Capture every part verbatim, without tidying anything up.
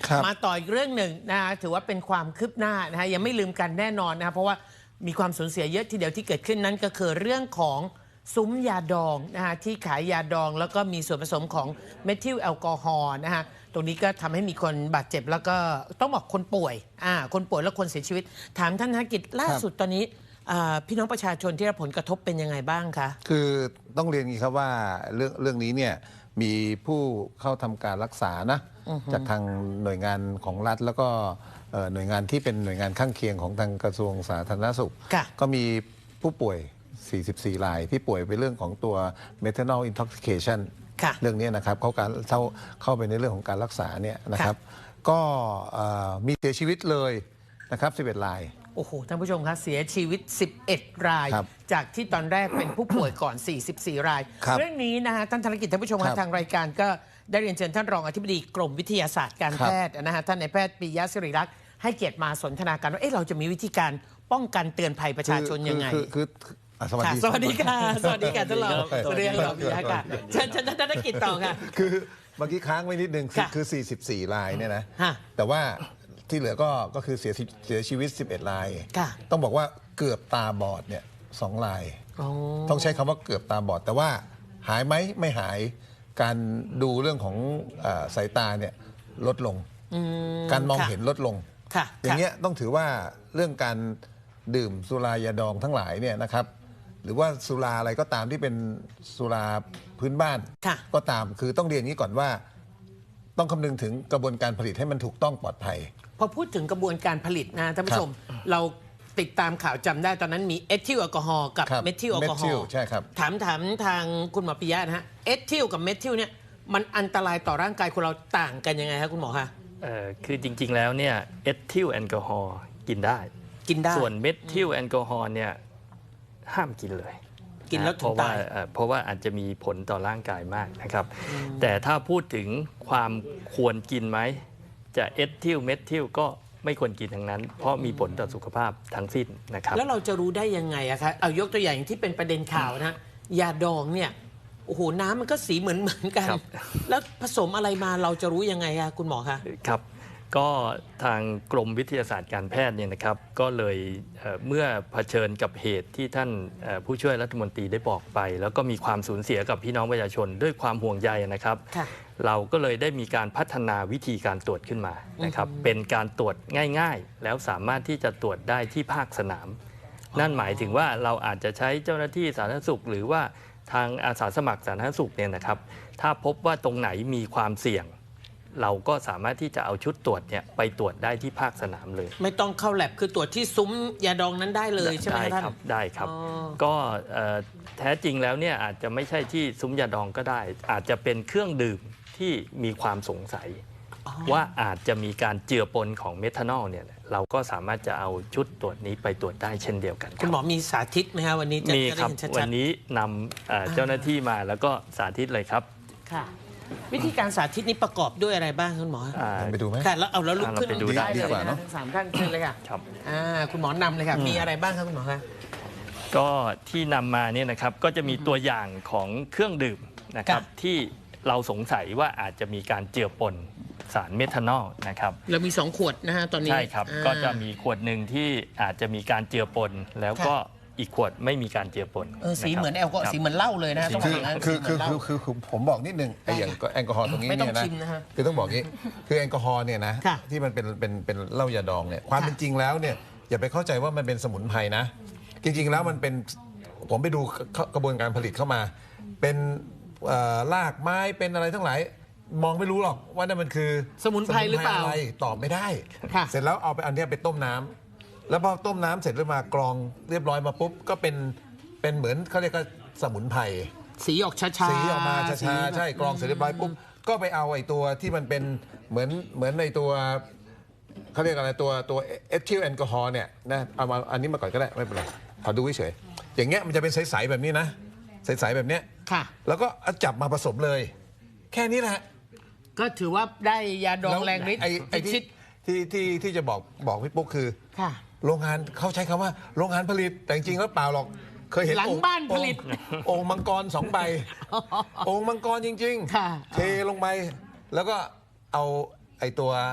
มาต่ออีกเรื่องหนึ่งนะคะถือว่าเป็นความคืบหน้านะคะยังไม่ลืมกันแน่นอนนะคะเพราะว่ามีความสูญเสียเยอะทีเดียวที่เกิดขึ้นนั้นก็คือเรื่องของซุ้มยาดองนะคะที่ขายยาดองแล้วก็มีส่วนผสมของเมทิลแอลกอฮอล์นะคะตรงนี้ก็ทำให้มีคนบาดเจ็บแล้วก็ต้องบอกคนป่วยอ่าคนป่วยและคนเสียชีวิตถามท่านธนกิจล่าสุดตอนนี้พี่น้องประชาชนที่รับผลกระทบเป็นยังไงบ้างคะคือต้องเรียนงี้ครับว่าเรื่องเรื่องนี้เนี่ยมีผู้เข้าทำการรักษานะจากทางหน่วยงานของรัฐแล้วก็หน่วยงานที่เป็นหน่วยงานข้างเคียงของทางกระทรวงสาธารณสุขก็มีผู้ป่วยสี่สิบสี่รายที่ป่วยไปเรื่องของตัว methanol intoxication เรื่องนี้นะครับเขาการเข้าเข้าไปในเรื่องของการรักษาเนี่ยนะครับก็มีเสียชีวิตเลยนะครับสิบเอ็ดรายโอ้โหท่านผู้ชมคะเสียชีวิตสิบเอ็ดรายจากที่ตอนแรกเป็นผู้ป่วยก่อนสี่สิบสี่รายเรื่องนี้นะคะท่านธนกิจท่านผู้ชมทางรายการก็ได้เรียนเชิญท่านรองอธิบดีกรมวิทยาศาสตร์การแพทย์นะฮะท่านนายแพทย์ปิยะศิริรักษ์ให้เกียรติมาสนทนากันว่าเอ๊ะเราจะมีวิธีการป้องกันเตือนภัยประชาชนยังไงคือสวัสดีสวัสดีค่ะสวัสดีค่ะท่านรองสวัสดีค่ะปิยะค่ะเชิญท่านธนกิจต่อค่ะคือเมื่อกี้ค้างไว้นิดนึงคือสี่สิบสี่รายเนี่ยนะแต่ว่าที่เหลือก็ก็คือเสียเสียชีวิตสิบเอ็ดรายต้องบอกว่าเกือบตาบอดเนี่ยสองรายต้องใช้คำว่าเกือบตาบอดแต่ว่าหายไหมไม่หายการดูเรื่องของสายตาเนี่ยลดลงการมองเห็นลดลงอย่างเงี้ยต้องถือว่าเรื่องการดื่มสุรายาดองทั้งหลายเนี่ยนะครับหรือว่าสุราอะไรก็ตามที่เป็นสุราพื้นบ้านก็ตามคือต้องเรียนนี้ก่อนว่าต้องคำนึงถึงกระบวนการผลิตให้มันถูกต้องปลอดภัยพอพูดถึงกระบวนการผลิตนะท่านผู้ชมเราติดตามข่าวจำได้ตอนนั้นมีเอทิลแอลกอฮอล์กับเมทิลแอลกอฮอล์ใช่ครับถามถามทางคุณหมอปิยะนะฮะเอทิลกับเมทิลเนี่ยมันอันตรายต่อร่างกายคนเราต่างกันยังไงครับคุณหมอคะเอ่อคือจริงๆแล้วเนี่ยเอทิลแอลกอฮอล์กินได้กินได้ส่วนเมทิลแอลกอฮอล์เนี่ยห้ามกินเลยกินแล้วถึงตายเพราะว่าอาจจะมีผลต่อร่างกายมากนะครับแต่ถ้าพูดถึงความควรกินไหมจะเอทิลเมทิลก็ไม่ควรกินทั้งนั้นเพราะมีผลต่อสุขภาพทั้งสิ้นนะครับแล้วเราจะรู้ได้ยังไงอะคะเอายกตัวอย่างที่เป็นประเด็นข่าวนะยาดองเนี่ยโอ้โหน้ำมันก็สีเหมือนเหมือนกันแล้วผสมอะไรมาเราจะรู้ยังไงอะคุณหมอคะครับก็ทางกรมวิทยาศาสตร์การแพทย์เนี่ยนะครับก็เลยเมื่อเผชิญกับเหตุที่ท่านผู้ช่วยรัฐมนตรีได้บอกไปแล้วก็มีความสูญเสียกับพี่น้องประชาชนด้วยความห่วงใยนะครับเราก็เลยได้มีการพัฒนาวิธีการตรวจขึ้นมานะครับเป็นการตรวจง่ายๆแล้วสามารถที่จะตรวจได้ที่ภาคสนามนั่นหมายถึงว่าเราอาจจะใช้เจ้าหน้าที่สาธารณสุขหรือว่าทางอาสาสมัครสาธารณสุขเนี่ยนะครับถ้าพบว่าตรงไหนมีความเสี่ยงเราก็สามารถที่จะเอาชุดตรวจเนี่ยไปตรวจได้ที่ภาคสนามเลยไม่ต้องเข้าแลบคือตรวจที่ซุ้มยาดองนั้นได้เลยใช่ไหมท่านได้ครับก็แท้จริงแล้วเนี่ยอาจจะไม่ใช่ที่ซุ้มยาดองก็ได้อาจจะเป็นเครื่องดื่มที่มีความสงสัยว่าอาจจะมีการเจือปนของเมทานอลเนี่ยเราก็สามารถจะเอาชุดตรวจนี้ไปตรวจได้เช่นเดียวกันคุณหมอมีสาธิตไหมครับวันนี้มีครับวันนี้นำเจ้าหน้าที่มาแล้วก็สาธิตเลยครับค่ะวิธีการสาธิตนี้ประกอบด้วยอะไรบ้างคุณหมอไปดูไหมค่ะแล้วเอาแล้วลุกขึ้นดูได้เลยนะทั้งสามท่านเชิญเลยค่ะครับคุณหมอนำเลยค่ะมีอะไรบ้างครับคุณหมอคะก็ที่นำมาเนี่ยนะครับก็จะมีตัวอย่างของเครื่องดื่มนะครับที่เราสงสัยว่าอาจจะมีการเจือปนสารเมทานอลนะครับเรามีสองขวดนะฮะตอนนี้ใช่ครับก็จะมีขวดหนึ่งที่อาจจะมีการเจือปนแล้วก็อีกขวดไม่มีการเจือปนเออสีเหมือนแอลกอฮอล์สีเหมือนเหล้าเลยนะคือคือคือคือคือผมบอกนิดนึงไอ้อย่างแอลกอฮอล์ตรงนี้เนี่ยนะคือต้องบอกงี้คือแอลกอฮอล์เนี่ยนะที่มันเป็นเป็นเป็นเหล้ายาดองเนี่ยความเป็นจริงแล้วเนี่ยอย่าไปเข้าใจว่ามันเป็นสมุนไพรนะจริงๆแล้วมันเป็นผมไปดูกระบวนการผลิตเข้ามาเป็นรากไม้เป็นอะไรทั้งหลายมองไม่รู้หรอกว่านั่นมันคือสมุนไพรหรือเปล่าตอบไม่ได้เสร็จแล้วเอาไปอันนี้ไปต้มน้ำแล้วพอต้มน้ำเสร็จแล้วมากรองเรียบร้อยมาปุ๊บก็เป็นเป็นเหมือนเขาเรียกว่าสมุนไพรสีออกช้าๆสีออกมาช้าๆใช่กรองเสร็จเรียบร้อยปุ๊บก็ไปเอาไอ้ตัวที่มันเป็นเหมือนเหมือนในตัวเขาเรียกอะไรตัวตัวเอทิลแอลกอฮอล์เนี่ยนะเอามาอันนี้มาก่อนก็ได้ไม่เป็นไรขอดูเฉยอย่างเงี้ยมันจะเป็นใสๆแบบนี้นะใสๆแบบเนี้ยค่ะแล้วก็จับมาผสมเลยแค่นี้แหละก็ถือว่าได้ยาดองแรงฤทธิ์ไอ้ที่ที่ที่ที่จะบอกบอกพี่ปุ๊กคือโรงงานเขาใช้คำว่าโรงงานผลิตแต่จริงๆแล้วเปล่าหรอกเคยเห็นหลังบ้านผลิตองค์มังกรสองใบองค์มังกรจริงๆเทลงไปแล้วก็เอาไอ้ตัว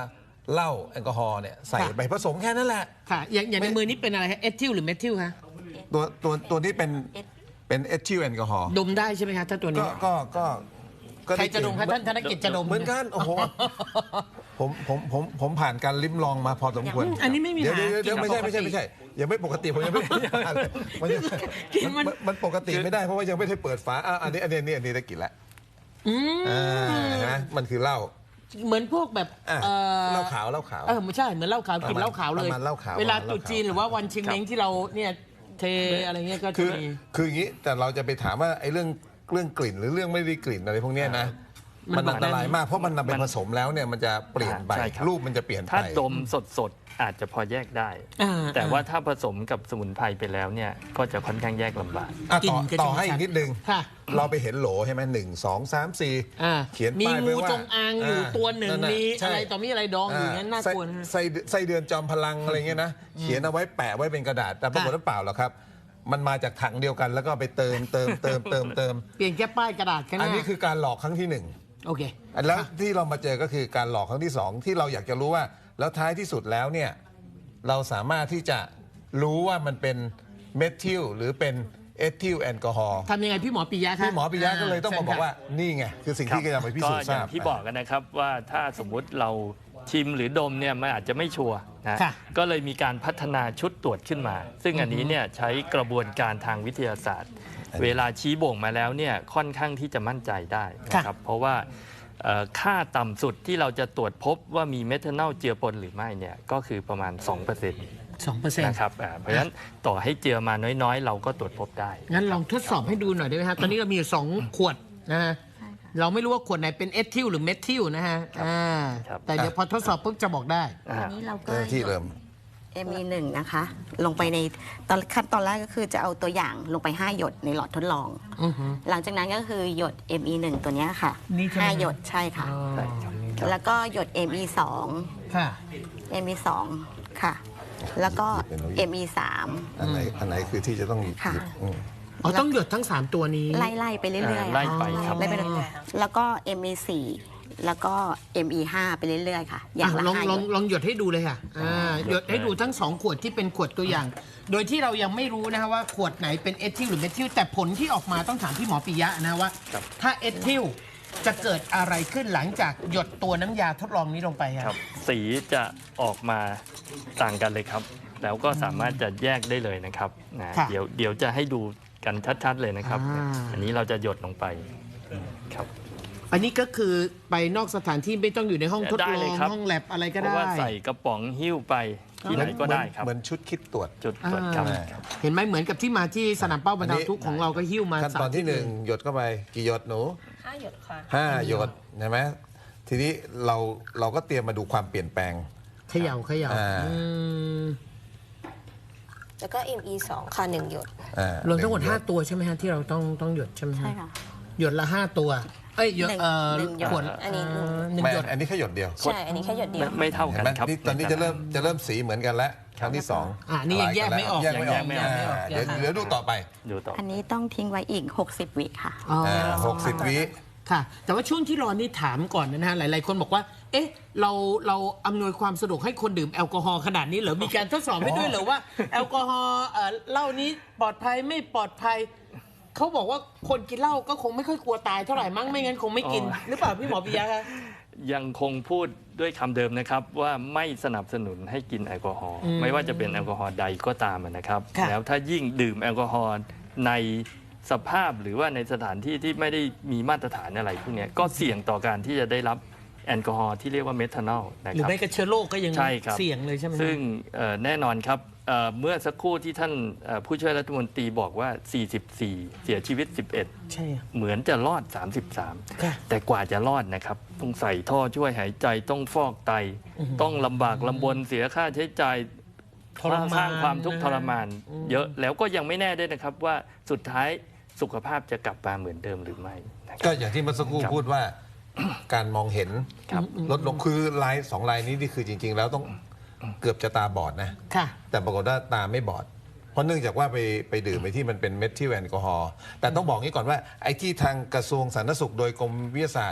เหล้าแอลกอฮอล์เนี่ยใส่ไปผสมแค่นั้นแหละค่ะอย่างอย่างในมือนี้เป็นอะไรคะเอทิลหรือเมทิลคะตัวตัวตัวนี้เป็นเป็นเอทิลแอลกอฮอล์ดมได้ใช่ไหมคะถ้าตัวนี้ก็ก็ก็ก็ใครจะดมคะท่านธนกิจจะดมเหมือนกันโอ้โหผมผมผมผมผ่านการลิ้มลองมาพอสมควรอันนี้ไม่มีเดี๋ยวหาเดี๋ยวเดี๋ยวไม่ใช่กินไม่ใช่ปกติไม่ใช่ยังไม่ปกติผมยังไม่มันยังกินมัมัน นมันปกติไม่ได้เพราะว่ายังไม่ได้เปิดฝาอ่ะอันนี้อันนี้อันนี้อันนี้ได้กินแล้วอืมอ่านะมันคือเหล้าเหมือนพวกแบบอ่ะเอ่อเหล้าขาวเหล้าขาวเออไม่ใช่เหมือนเหล้าขาวกินเหล้าขาวเลยประมาณเหล้าขาวเวลาประมาณตรุษจีนหรือว่าวันชิงเม้งที่เราเนี่ยเทอะไรเงี้ยก็จะคือมีคืออย่างนี้แต่เราจะไปถามว่าไอ้เรื่องเรื่องกลิ่นหรือเรื่องไม่ได้กลิ่นอะไรพวกเนี้ยนะมัมัน นบอกอันตรายมากเพราะมันนำไปมันผสมแล้วเนี่ยมันจะเปลี่ยนไปใช่ครับรูปมันจะเปลี่ยนไปถ้าดมสดๆอาจจะพอแยกได้อ่าแต่ว่าถ้าผสมกับสมุนไพรไปแล้วเนี่ยก็จะค่อนข้างแยกลำบากอ่ะกลิ่ต่อนก็จะต่อให้ชัดอีกนิดนึงค่ะเราไปเห็นโหลใช่ไหมหนึ่งสองสามสี่อ่าเขียนมีป้ายไว้งูว่าจงอางอยู่ตัวหนึ่งะมีใช่อะไรต่อมีอะไรดองอยู่งั้นน่ากลัวนะฮะไส้ไส้ไส้เดือนจอมพลังอะไรเงี้ยนะเขียนเอาไว้แปะไว้เป็นกระดาษแต่ปรากฏว่าเปล่าหรอกครับ มันมาจากถังเดียวกันแล้วก็ไปเติมเติมเติมเติมเติมเปลี่ยนแค่ป้ายกระดาษแค่อันั้น นนี้คือการหลอกครั้งที่หนึ่งโอเคแล้วที่เรามาเจอก็คือการหลอกครั้งที่สองที่เราอยากจะรู้ว่า แล้วท้ายที่สุดแล้วเนี่ยเราสามารถที่จะรู้ว่ามันเป็นเมทิลหรือเป็นเอทิลแอลกอฮอล์ทำยังไงพี่หมอปิยะคะพี่หมอปิยะก็เลยต้องมาบอกว่าเชิญนี่ไงคือสิ่งที่จะไปพิก็สูจน์อทราย่างบที่บอกกันนะครับว่าถ้าสมมุติเราชิมหรือดมเนี่ยมันอาจจะไม่ชัวร์นะค่ะก็เลยมีการพัฒนาชุดตรวจขึ้นมา ซึ่งอันนี้เนี่ยใช้กระบวนการทางวิทยาศาสตร์ เวลาชี้บ่งมาแล้วเนี่ยค่อนข้างที่จะมั่นใจได้นะครับเพราะว่าเอ่อค่าต่ำสุดที่เราจะตรวจพบว่ามีเมทานอลเจือปนหรือไม่เนี่ยก็คือประมาณ สองเปอร์เซ็นต์สองเปอร์เซ็นต์นะครับอ่าเพราะฉะนั้นต่อให้เจือมาน้อยๆ เราก็ตรวจพบได้งั้นลองทดสอบให้ดูหน่อยได้ไหมฮะ ตอนนี้เรามีอยู่สองขวดนะฮะ เราไม่รู้ว่าขวดไหนเป็นเอทิลหรือเมทิลนะฮะอ่าครับแต่เดี๋ยวพอทดสอบปุ๊บจะบอกได้อ่าอันนี้เราก็เจ้าหน้าที่เริ่มเอ็ม อี หนึ่งนะคะ ลงไปในตอนขั้นตอนแรกก็คือจะเอาตัวอย่างลงไป ห้า หยดในหลอดทดลองอือฮึหลังจากนั้นก็คือหยด เอ็ม อี หนึ่ง ตัวเนี้ยค่ะนี่ใช่ไหมห้าหยดใช่ค่ะอ๋อใช่ครับแล้วก็หยด เอ็ม อี สองค่ะเอ็ม อี สอง ค่ะ แล้วก็ เอ็ม อี สามอันไหนอันไหนคือที่จะต้องหยิบค่ะอืมอ๋อต้องหยดทั้ง สาม ตัวนี้ไล่ๆไปเรื่อยๆไล่ค่ะไปครับไล่ไปเรื่อยๆแล้วก็ เอ็ม อี สี่ แล้วก็ เอ็ม อี ห้า ไปเรื่อยๆค่ะ อย่างละลองห้าลหองยดลองหยดให้ดูเลยค่ะอ่าหยดให้ดูทั้งสองขวดที่เป็นขวดตัวอย่าง โดยที่เรายังไม่รู้นะคะว่าขวดไหนเป็นเอทิลหรือเมทิลแต่ผลที่ออกมาต้องถามพี่หมอปิยะนะว่า ถ้าเอทิลจะเกิดอะไรขึ้นหลังจากหยดตัวน้ำยาทดลองนี้ลงไปคครัรับบ สีจะออกมาต่างกันเลยครับ แล้วก็สามารถจะแยกได้เลยนะครับนะค่ะเดี๋ยวเดี๋ยวจะให้ดูกันชัดๆเลยนะครับอ่าอันนี้เราจะหยดลงไปครับอันนี้ก็คือไปนอกสถานที่ไม่ต้องอยู่ในห้องทดได้ลเลอย งครับห้องแลบอะไรก็เพราะได้ว่าใส่กระป๋องหิ้วไปที่ไหนก็ได้ครับเหมือนชุดคิดตรวจจุดตรวจครับอ่าเห็นไหมเหมือนกับที่มาที่สนามเป้าบรรเทาทุกข์ของเราก็หิ้วมาขั้นตอนที่หนึ่งหยดเข้าไปกี่หยดหนูห้าหยดค่ะห้าหยดใช่ไหมทีนี้เราเราก็เตรียมมาดูความเปลี่ยนแปลงเขย่าเขย่าอ่าอืมแล้วก็ เอ็ม อี สอง ค่ะหนึ่งหยดอ่ารวมทั้งหมดนึ่ห้าตัวใช่ไหมฮะที่เราต้องต้องหยดใช่ไหมฮะใช่ค่ะหยดละห้าตัว เอ้ยหยดหนึ่งเอ่อหนึ่งหยดขวดอันนี้เหนึ่งไม่หยดอันนี้แค่หยดเดียวใช่ อันนี้แค่หยดเดียไม่วไม่เท่าเห็กัน นไหมครับนี่ตอนนี้จะเริ่มจะเริ่มสีเหมือนกันแล้วครั้งที่สองอ่ะนี่ยังแยกไม่ออกแยกไม่ออกยังแยกไม่ออกอ่าเดี๋ยวเดี๋ยวดูต่อไปดูต่ออันนี้ต้องทิ้งไว้อีก หกสิบ วิค่ะอ๋ออหกสิบวิค่ะ แต่ว่าช่วงที่รอนี่ถามก่อนนะฮะหลาย ๆ คนบอกว่า เอ๊ะ เราเราอำนวยความสะดวกให้คนดื่มแอลกอฮอล์ขนาดนี้เหรอมีการทดสอบให้ด้วยเหรอว่าแอลกอฮอล์เอ่อเหล้านี้ปลอดภัยไม่ปลอดภัยเขาบอกว่าคนกินเหล้าก็คงไม่ค่อยกลัวตายเท่าไหร่มั้งไม่งั้นคงไม่กินอ๋อหรือเปล่าพี่หมอปิยะคะยังคงพูดด้วยคำเดิมนะครับว่าไม่สนับสนุนให้กินแอลกอฮอล์ไม่ว่าจะเป็นแอลกอฮอล์ใดก็ตามนะครับค่ะแล้วถ้ายิ่งดื่มแอลกอฮอล์ในสภาพหรือว่าในสถานที่ที่ไม่ได้มีมาตรฐานอะไรพวกเนี้ยก็เสี่ยงต่อการที่จะได้รับแอลกอฮอล์ที่เรียกว่าเมทานอลนะหรือครับไม่กระเชื้อโรคก็ยังใช่ครับเสี่ยงเลยใช่ไหมฮะซึ่งเอ่อแน่นอนครับเอ่อเมื่อสักครู่ที่ท่านเอ่อผู้ช่วยรัฐมนตรีบอกว่า สี่สิบสี่ เสียชีวิต สิบเอ็ดใช่อะเหมือนจะรอด สามสิบสามค่ะแต่กว่าจะรอดนะครับ ต้องใส่ท่อช่วยหายใจต้องฟอกไต ต้องลำบากลำบนเสียค่าใช้จ่ายทรมานสร้างความทุกข์นะทรมาน เยอะแล้วก็ยังไม่แน่ด้วยนะครับว่าสุดท้ายสุขภาพจะกลับมาเหมือนเดิมหรือไม่นะครับก็อย่างที่เมื่อสักครู่ครับพูดว่า การมองเห็นครับลดลงคือลายสองลายนี้นี่คือจริง ๆ แล้วต้องเกือบจะตาบอดนะค่ะแต่ปรากฏว่าตาไม่บอด เพราะเนื่องจากว่าไปไปดื่มไปที่มันเป็นเมทิลแอลกอฮอล์แต่ต้องบอกงี้ก่อนว่าไอ้ที่ทางกระทรวงสาธารณสุขโดยกรมวิทยาศาสตร์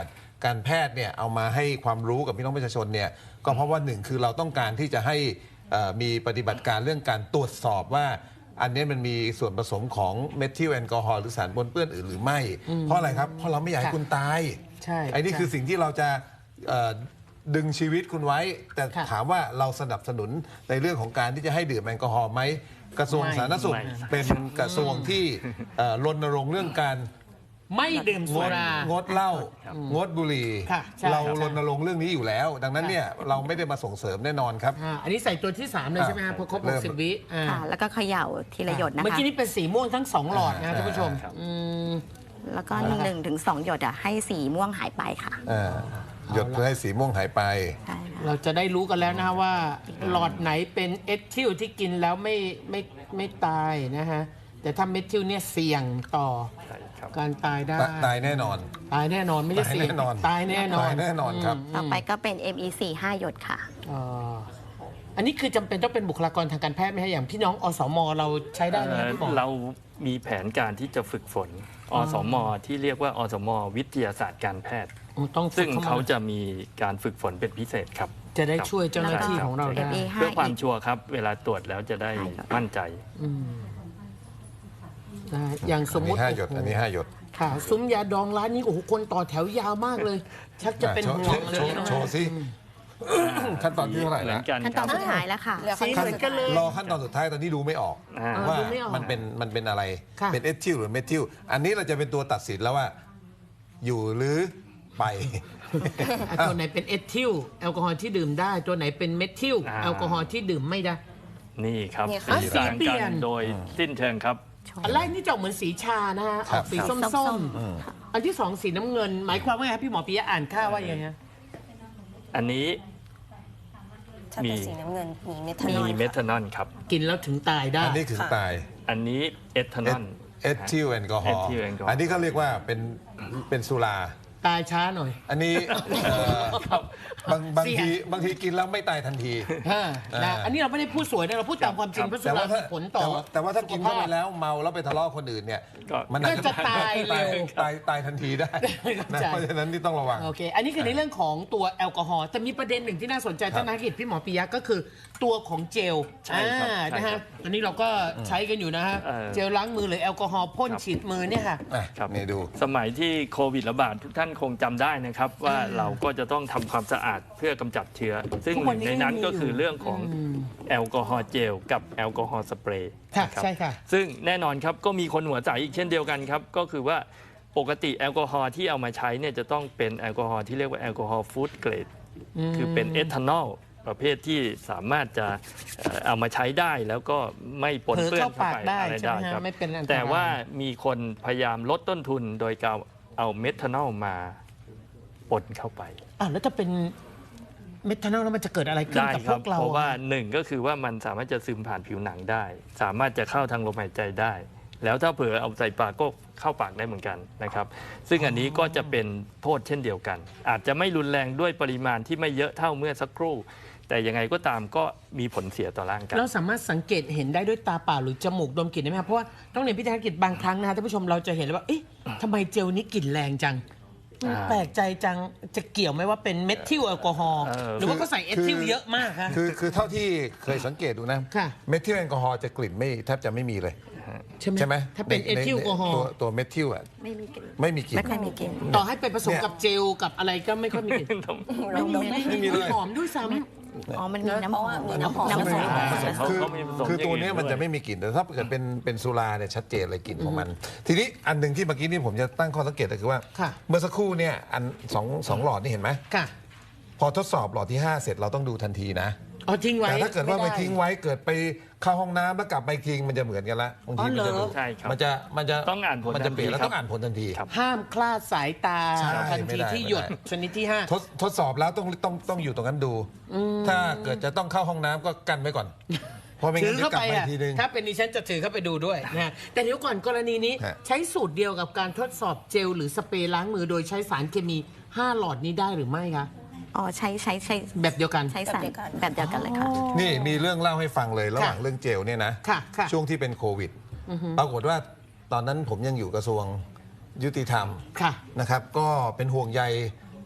การแพทย์เนี่ยเอามาให้ความรู้กับพี่น้องประชาชนเนี่ยก็เพราะว่าหนึ่งคือเราต้องการที่จะให้มีปฏิบัติการเรื่องการตรวจสอบว่าอันนี้มันมีส่วนผสมของเมทิลแอลกอฮอล์หรือสารปนเปื้อนอื่นหรือไม่เพราะอะไรครับเพราะเราไม่อยากให้คุณตายใช่ไอ้นี่คือสิ่งที่เราจะดึงชีวิตคุณไว้แต่ถามว่าเราสนับสนุนในเรื่องของการที่จะให้ดื่มแอลกอฮอล์ไหมกระทรวงสาธารณสุขเป็นกระทรวงที่รณรงค์เรื่องการไม่ดื่มสุรางดเหล้างดบุหรี่เรารณรงค์เรื่องนี้อยู่แล้วดังนั้นเนี่ยเราไม่ได้มาส่งเสริมแน่นอนครับอันนี้ใส่ตัวที่สามเลยใช่ไหมครับพอครบหกสิบวิค่ะแล้วก็เขย่าทีละหยดนะคะเมื่อกี้นี่เป็นสีม่วงทั้งสองหลอดนะท่านผู้ชมแล้วก็หนึ่งถึงสองหยดอ่ะให้สีม่วงหายไปค่ะหยดเพื่อให้สีม่วงหายไปเราจะได้รู้กันแล้วนะว่าหลอดไหนเป็นเอทิลที่กินแล้วไม่ไม่ไม่ตายนะฮะแต่ถ้าเมทิลเนี่ยเสี่ยงต่อการตายได้ตายแน่นอนตายแน่นอนไม่ใช่เสี่ยงตายแน่นอนตายแน่นอนครับต่อไปก็เป็น เอ็ม อี สี่ ห้า หยดค่ะอันนี้คือจำเป็นต้องเป็นบุคลากรทางการแพทย์ไหมฮะอย่างพี่น้องอสมเราใช้ได้ไหมพี่หมอเรามีแผนการที่จะฝึกฝนอสมที่เรียกว่าอสมวิทยาศาสตร์การแพทย์ซึ่งเขาจะมีการฝึกฝนเป็นพิเศษครับจะได้ช่วยเจ้าหน้าที่ของเราได้เพื่อความชัวร์ครับเวลาตรวจแล้วจะได้มั่นใจอย่างสมมติห้าหยดอันนี้ห้าหยดค่ะซุ้มยาดองร้านนี้โอ้โหคนต่อแถวยาวมากเลยชักจะเป็นห่วงเลยโชว์สิขั้นตอนที่เท่าไหร่แล้วขั้นตอนสุดท้ายแล้วค่ะสีเหมือนกันเลยรอขั้นตอนสุดท้ายตอนนี้ดูไม่ออกว่ามันเป็นมันเป็นอะไรเป็นเอทิลหรือเมทิลอันนี้เราจะเป็นตัวตัดสินแล้วว่าอยู่หรือไปตัวไหนเป็นเอทิลแอลกอฮอล์ที่ดื่มได้ตัวไหนเป็นเมทิลแอลกอฮอล์ที่ดื่มไม่ได้นี่ครับสีเปลี่ยนโดยสิ้นเชิงครับอันแรกนี่จะเหมือนสีชานะฮะออกสีส้มๆอันที่สองสีน้ำเงินหมายความว่าไงพี่หมอปิยะอ่านค่าว่าอย่างไงอันนี้มีสีน้ำเงินมีเมทานอลมีเมทานอลครับกินแล้วถึงตายได้อันนี้ถึงตายอันนี้เอทานอลเอทิลแอลกอฮอล์อันนี้เขาเรียกว่าเป็นเป็นสุราตายช้าหน่อยอันนี้บางบางทีบางทีกินแล้วไม่ตายทันทีนะอันนี้เราไม่ได้พูดสวยนะเราพูดตามความจริงเพราะสุราผลต่อแต่ว่าถ้ากินเข้าไปแล้วเมาแล้วไปทะเลาะคนอื่นเนี่ยมันจะตายเร็วตายตายทันทีได้เพราะฉะนั้นที่ต้องระวังโอเคอันนี้คือในเรื่องของตัวแอลกอฮอล์แต่มีประเด็นหนึ่งที่น่าสนใจท่านนักกิจพี่หมอปิยะก็คือตัวของเจลใช่ครับนะฮะอันนี้เราก็ใช้กันอยู่นะฮะเจลล้างมือหรือแอลกอฮอล์พ่นฉีดมือเนี่ยค่ะครับนี่ดูสมัยที่โควิดระบาดทุกท่านคงจำได้นะครับว่าเราก็จะต้องทำความสะอาดเพื่อกำจัดเชื้อซึ่งหนึ่งในนั้นก็คือเรื่องของแอลกอฮอล์เจลกับแอลกอฮอล์สเปรย์ใช่ค่ะซึ่งแน่นอนครับก็มีคนหัวใจอีกเช่นเดียวกันครับก็คือว่าปกติแอลกอฮอล์ที่เอามาใช้เนี่ยจะต้องเป็นแอลกอฮอล์ที่เรียกว่าแอลกอฮอล์ฟู้ดเกรดคือเป็นเอทานอลประเภทที่สามารถจะเอามาใช้ได้แล้วก็ไม่ปนเปื้อนเข้าไปอะไรได้ครับแต่ว่ามีคนพยายามลดต้นทุนโดยการเอาเมทานอลมาปนเข้าไปอ่ะแล้วจะเป็นเมทานอลแล้วมันจะเกิดอะไรขึ้นกับพวกเราเพราะว่าหนึ่งก็คือว่ามันสามารถจะซึมผ่านผิวหนังได้ สามารถจะเข้าทางลมหายใจได้ แล้วถ้าเผื่อเอาใส่ปากก็เข้าปากได้เหมือนกันนะครับซึ่งอันนี้ก็จะเป็นโทษเช่นเดียวกันอาจจะไม่รุนแรงด้วยปริมาณที่ไม่เยอะเท่าเมื่อสักครู่แต่ยังไงก็ตามก็มีผลเสียต่อร่างกายเราสามารถสังเกตเห็นได้ด้วยตาเปล่าหรือจมูกดมกลิ่นได้ไหมครับเพราะว่าต้องเรียนพิธีกิจบางครั้งนะท่านผู้ชมเราจะเห็นเลยว่าเอ๊ะทำไมเจลนี้กลิ่นแรงจังแปลกใจจังจะเกี่ยวไหมว่าเป็นเมทิลแอลกอฮอล์หรือว่าก็ใส่เอทิลเยอะมากคะคือคือเท่าที่เคยสังเกตดูนะเมทิลแอลกอฮอล์จะกลิ่นไม่แทบจะไม่มีเลยใช่ไหมถ้าเป็นเอทิลแอลกอฮอล์ตัวเมทิลอ่ะไม่มีกลิ่นไม่มีกลิ่นไม่ค่อยมีกลิ่นต่อให้ไปผสมกับเจลกับอะไรก็ไม่ค่อยมีกลิ่นไม่มีเลยหอมด้วยซ้ำอ๋อมันมีน้ำหอมน้ำหอมน้ำหอมคือคือตัวนี้มันจะไม่มีกลิ่นแต่ถ้าเกิดเป็นเป็นสุราเนี่ยชัดเจนเลยกลิ่นของมันทีนี้อันหนึ่งที่เมื่อกี้นี่ผมจะตั้งข้อสังเกตก็คือว่าเมื่อสักครู่เนี่ยอันสองสองหลอดนี่เห็นไหมพอทดสอบหลอดที่ห้าเสร็จเราต้องดูทันทีนะอ๋อทิ้งไว้แต่ถ้าเกิดว่าไปทิ้งไว้เกิดไปเข้าห้องน้ำแล้วกลับไปทิ้งมันจะเหมือนกันละบางทีมันจะมันจะมันจะต้องอ่านผลมันจะเปลี่ยนแล้วต้องอ่านผลทันทีห้ามคลาดสายตาทันทีที่หยดชนิดที่ห้าทดทดสอบแล้วต้องต้องต้องอยู่ตรงนั้นดูถ้าเกิดจะต้องเข้าห้องน้ำก็กันไว้ก่อนพอไม่งั้นจะกลับไปทีนึงถ้าเป็นดิฉันจะถือเข้าไปดูด้วยนะแต่เดี๋ยวก่อนกรณีนี้ใช้สูตรเดียวกับการทดสอบเจลหรือสเปรย์ล้างมือโดยใช้สารเคมีห้าหลอดนี้ได้หรือไม่คะอ๋อใช้ใช้ใช้แบบเดียวกันใช้สารแบบเดียวกันเลยค่ะนี่มีเรื่องเล่าให้ฟังเลยระหว่างเรื่องเจลเนี่ยนะช่วงที่เป็นโควิดปรากฏว่าตอนนั้นผมยังอยู่กระทรวงยุติธรรมนะครับก็เป็นห่วงใย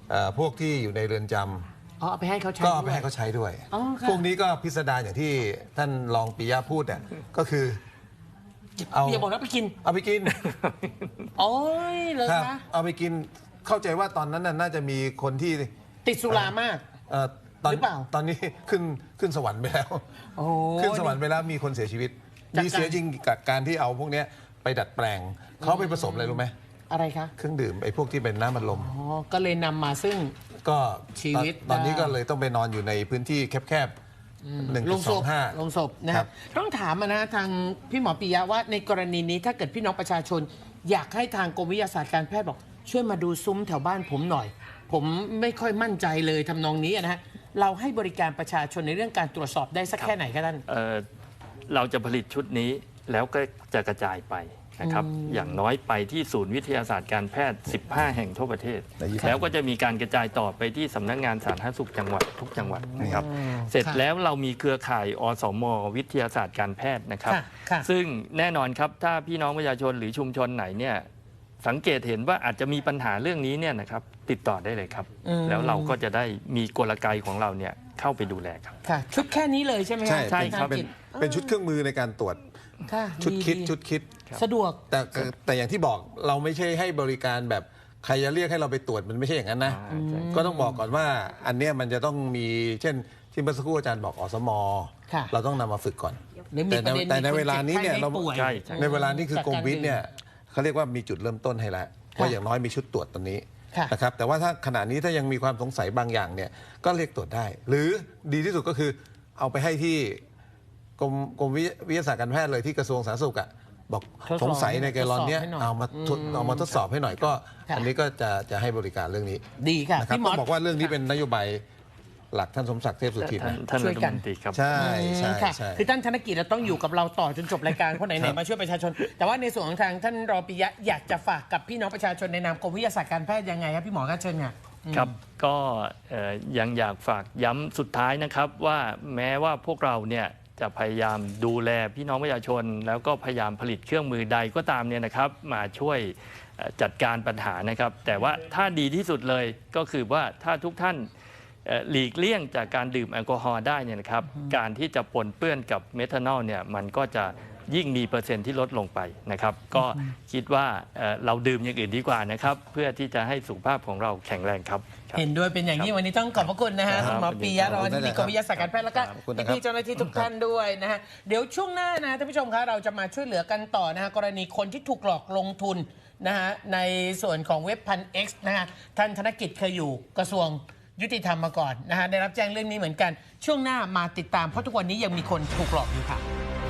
เอ่อพวกที่อยู่ในเรือนจำอ๋อเอาไปให้เขาใช้ก็เอาไปด้วยให้เขาใช้ด้วยอ๋อค่ะพวกนี้ก็พิสดารอย่างที่ท่านรองปิยะพูดเนี่ยก็คือเอาอย่าบอกนะไปกินเอาไปกินโอ้ยเลยครับคะเอาไปกินเข้าใจว่าตอนนั้นน่ะน่าจะมีคนที่ติดสุรามากเอ่อตอนหรือเปล่าตอนนี้ขึ้นขึ้นสวรรค์ไปแล้วโอ้ขึ้นสวรรค์ไปแล้วมีคนเสียชีวิตจากการมีเสียจริงกับการที่เอาพวกเนี้ยไปดัดแปลงเขาไปผสมอะไรรู้ไหมอะไรคะเครื่องดื่มไอ้พวกที่เป็นน้ำมันลมอ๋อก็เลยนำมาซึ่งก็ชีวิตตอนตอนนี้ได้ก็เลยต้องไปนอนอยู่ในพื้นที่แคบๆหนึ่งลจุงดศสองพห้าลงศพนะครัฮะบต้องถามอะนะทางพี่หมอปิยะว่าในกรณีนี้ถ้าเกิดพี่น้องประชาชน อยากให้ทางกรมวิทยาศาสตร์การแพทย์บอก ช่วยมาดูซุ้มแถวบ้านผมหน่อย ผมไม่ค่อยมั่นใจเลยทำนองนี้อะนะฮะเราให้บริการประชาชนในเรื่องการตรวจสอบได้สักแค่ไหนคะท่านเอ่อเราจะผลิตชุดนี้แล้วก็จะกระจายไปนะครับอย่างน้อยไปที่ศูนย์วิทยาศาสตร์การแพทย์ สิบห้า แห่งทั่วประเทศในยี่สิบแล้วก็จะมีการกระจายต่อไปที่สำนักงานสาธารณสุขจังหวัดทุกจังหวัดนะครับ เสร็จค่ะแล้วเรามีเครือข่ายอสม วิทยาศาสตร์การแพทย์นะครับค่ะค่ะซึ่งแน่นอนครับถ้าพี่น้องประชาชนหรือชุมชนไหนเนี่ยสังเกตเห็นว่าอาจจะมีปัญหาเรื่องนี้เนี่ยนะครับติดต่อได้เลยครับ แล้วเราก็จะได้มีกลไกของเราเนี่ยเข้าไปดูแลครับค่ะชุดแค่นี้เลยใช่ไหมฮะใช่ใช่เป็นครับเป็นเป็นชุดเครื่องมือในการตรวจค่ะชุดคิดๆชุดคิดสะดวกแต่แต่อย่างที่บอกเราไม่ใช่ให้บริการแบบใครจะเรียกให้เราไปตรวจมันไม่ใช่อย่างนั้นนะอ่าใช่ก็ต้องบอกก่อนว่าอันเนี้ยมันจะต้องมีเช่นที่เมื่อสักครู่อาจารย์บอกอสมค่ะเราต้องนำมาฝึกก่อนหรือมีแต่ประในเด็นแต่ในมีคนเวลานี้เนี่ยเจ็บไข้เราได้ป่วยใช่ใช่ในเวลานี้คือกรมวิทย์เนี่ยจากการเขาเรียกว่ามีจุดเริ่มต้นให้แล้วว่าอย่างน้อยมีชุดตรวจตัวนี้ค่ะนะครับแต่ว่าถ้าขณะนี้ถ้ายังมีความสงสัยบางอย่างเนี่ยก็เรียกตรวจได้ หรือดีที่สุดก็คือเอาไปให้ที่กรมกรมวิทยาศาสตร์การแพทย์เลยที่กระทรวงสาธารณสุขอ่ะบอกทดสอบสงสัยในแกลลอนเนี้ยทดสอบให้หน่อยเอามาทดอืมเอามาทดสอบให้หน่อยก็ค่ะอันนี้ก็จะจะให้บริการเรื่องนี้ดีค่ะนะครับพี่หมต้อองบอกว่าเรื่องนี้เป็นนโยบายหลักท่านสมศักดิ์เทพสุทินท่านนะท่านช่รัวยฐกันมนตรีครับใช่ใช่ค่ะใช่คือท่านธนกิจเราต้องอยู่กับเราต่อจนจบรายการเพราะไหครันบๆมาช่วยประชาชน แต่ว่าในส่วนของทางท่านรองปิยะอยากจะฝากกับพี่น้องประชาชนในนามกรมวิทยาศาสตร์การแพทย์ยังไงครับพี่หมอคะเชิญค่ะครับก็เอ่อยังอยากฝากย้ำสุดท้ายนะครับว่าแม้ว่าพวกเราเนี่ยจะพยายามดูแลพี่น้องประชาชน แล้วก็พยายามผลิตเครื่องมือใดก็ตามเนี่ยนะครับมาช่วยเอ่อจัดการปัญหานะครับ แต่ว่าถ้าดีที่สุดเลยก็คือว่าถ้าทุกท่านเอ่อหลีกเลี่ยงจากการดื่มแอลกอฮอล์ได้เนี่ยนะครับการที่จะปนเปื้อนกับเมทานอลเนี่ยมันก็จะยิ่งมีเปอร์เซ็นต์ที่ลดลงไปนะครับ ก็คิดว่าเอ่อเราดื่มอย่างอื่นดีกว่านะครับ เพื่อที่จะให้สุขภาพของเราแข็งแรงครับครับเห็นด้วยเป็นอย่างยิ่งวันนี้ต้องขอบพระคุณนะฮะครับคุณหมอปิยะรองอธิบดีกรมวิทยาศาสตร์การแพทย์แล้วก็ขอบคุณนะครับพี่ๆเจ้าหน้าที่ทุกท่านด้วยนะฮะเดี๋ยวช่วงหน้านะท่านผู้ชมคะเราจะมาช่วยเหลือกันต่อนะฮะกรณีคนที่ถูกหลอกลงทุนนะฮะในส่วนของเว็บพัน X นะฮะท่านธนกิจเคยอยู่กระทรวงยุติธรรมมาก่อนนะฮะได้รับแจ้งเรื่องนี้เหมือนกันช่วงหน้ามาติดตามเพราะทุกวันนี้ยังมีคนถูกหลอกอยู่ค่ะ